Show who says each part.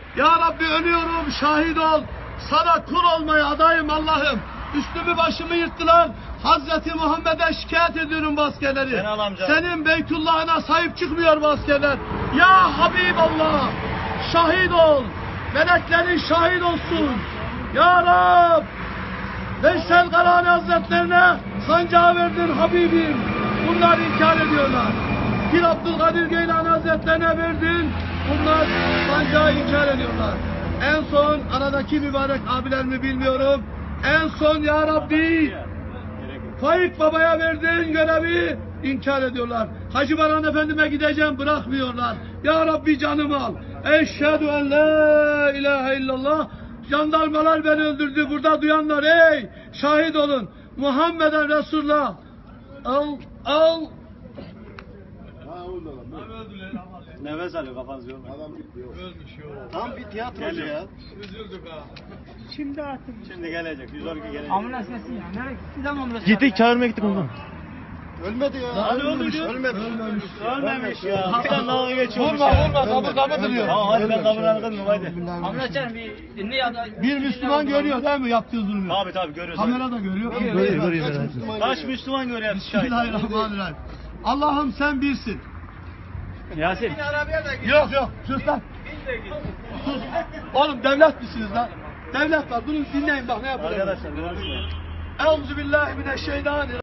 Speaker 1: Ya Rabbi ölüyorum, şahit ol. Sana kul olmaya adayım Allah'ım. Üstümü başımı yırttılar. Hazreti Muhammed'e şikayet ediyorum bu askerleri. Senin Beytullah'ına sahip çıkmıyor bu askerler. Ya Habiballah, şahit ol. Meleklerin şahit olsun. Ya Rab, Veysel Karani Hazretlerine sancağı verdin Habibim. Bunlar inkar ediyorlar. Pir Abdülkadir Geylani Hazretlerine verdin. Bunlar sancağı inkar ediyorlar. En son aradaki mübarek abilerimi bilmiyorum. En son Ya Rabbi Faik Baba'ya verdiğin görevi inkar ediyorlar. Hacı Baran Efendime gideceğim, bırakmıyorlar. Ya Rabbi canımı al. Eşhedü en la ilahe illallah. Jandarmalar beni öldürdü. Burada duyanlar ey şahit olun. Muhammeden Resulullah. Al.
Speaker 2: Nefes alıyor, kafanız yormayın.
Speaker 3: Adam bitti yok.
Speaker 1: Ölmüş yok.
Speaker 3: Tam bir tiyatrocu ya.
Speaker 1: Üzüldük ha.
Speaker 2: Şimdi gelecek, 112 gelecek.
Speaker 4: Ambulans gelsin ya. Nereye gitti lan ambulans?
Speaker 5: Gittik çağırmaya gittik ondan.
Speaker 3: Ölmedi ya.
Speaker 1: Daha
Speaker 3: Ölmemiş.
Speaker 2: Ölmemiş ya. Bir tane dalga geçiyormuş
Speaker 1: Vurma
Speaker 2: ya.
Speaker 1: kabı duruyor.
Speaker 2: Tamam hadi ben kabul aldım haydi.
Speaker 4: Ambulans çağırın bir ne ya da.
Speaker 1: Bir Müslüman görüyor değil mi yaptığı zulmü?
Speaker 2: Tabii görüyoruz.
Speaker 1: Kamera da görüyor.
Speaker 2: Kaç Müslüman görüyor şahit.
Speaker 1: Bismillahirrahmanirrahim. Allah'ım sen birsin.
Speaker 2: Yasin.
Speaker 1: Yok sus lan. Sus. Oğlum devlet misiniz lan? Devlet var. Durun dinleyin bak ne yapacağız.
Speaker 2: Arkadaşlar konuşmayın.
Speaker 1: Euzubillahimineşşeytanirracim.